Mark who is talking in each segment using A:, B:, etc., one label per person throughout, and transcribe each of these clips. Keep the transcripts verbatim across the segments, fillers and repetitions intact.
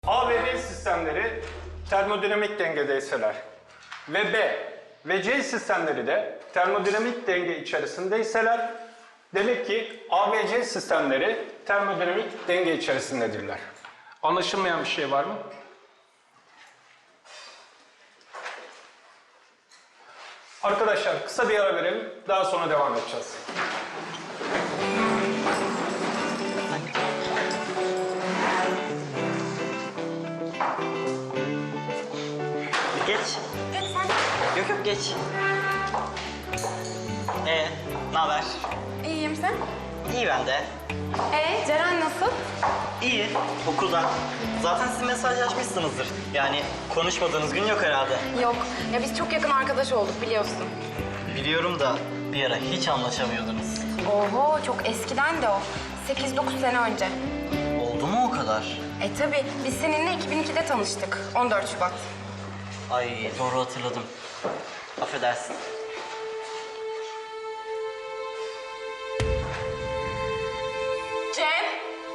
A: A ve B sistemleri termodinamik dengedeyseler ve B ve C sistemleri de termodinamik denge içerisindeyseler demek ki A ve C sistemleri termodinamik denge içerisindedirler. Anlaşılmayan bir şey var mı? Arkadaşlar kısa bir ara verelim, daha sonra devam edeceğiz.
B: Geç.
C: Lütfen.
B: Yok yok geç. Ee, ne haber?
C: İyiyim sen?
B: İyi ben de.
C: Ee, Ceren nasıl?
B: İyi, okulda. Zaten siz mesajlaşmışsınızdır. Yani konuşmadığınız gün yok herhalde.
C: Yok. Ya biz çok yakın arkadaş olduk biliyorsun.
B: Biliyorum da bir ara hiç anlaşamıyordunuz.
C: Oho çok eskiden de o. sekiz dokuz sene önce.
B: Oldu mu o kadar?
C: E tabii biz seninle iki bin ikide tanıştık. on dört Şubat.
B: Ay doğru hatırladım. Affedersin.
C: Cem!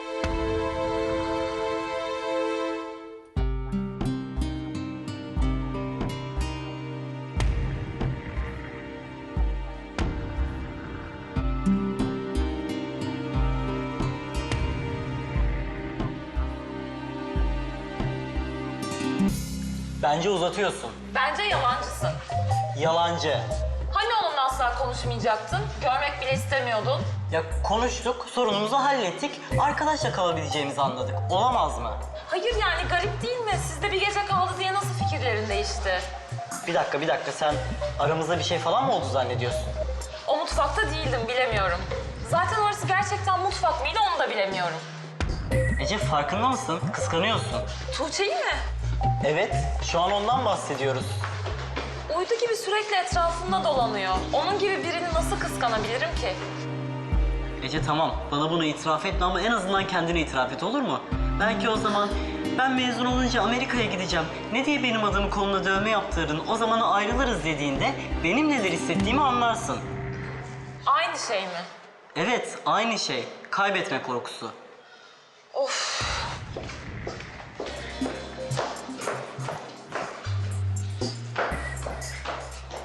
B: Bence uzatıyorsun.
D: Bence yalancısın.
B: Yalancı.
D: Hani onunla asla konuşmayacaktın? Görmek bile istemiyordun.
B: Ya konuştuk, sorunumuzu hallettik. Arkadaşla kalabileceğimizi anladık. Olamaz mı?
D: Hayır yani garip değil mi? Sizde bir gece kaldı diye nasıl fikirlerin değişti?
B: Bir dakika, bir dakika. Sen aramızda bir şey falan mı oldu zannediyorsun?
D: O mutfakta değildim, bilemiyorum. Zaten orası gerçekten mutfak mıydı onu da bilemiyorum.
B: Ece farkında mısın? Kıskanıyorsun.
D: Tuğçe'yi mi?
B: Evet, şu an ondan bahsediyoruz.
D: Uydu gibi sürekli etrafımda dolanıyor. Onun gibi birini nasıl kıskanabilirim ki?
B: Ece tamam, bana bunu itiraf etme ama en azından kendine itiraf et, olur mu? Belki o zaman ben mezun olunca Amerika'ya gideceğim. Ne diye benim adımı koluna dövme yaptırdın, o zamana ayrılırız dediğinde benim neler hissettiğimi anlarsın.
D: Aynı şey mi?
B: Evet, aynı şey. Kaybetme korkusu.
D: Of.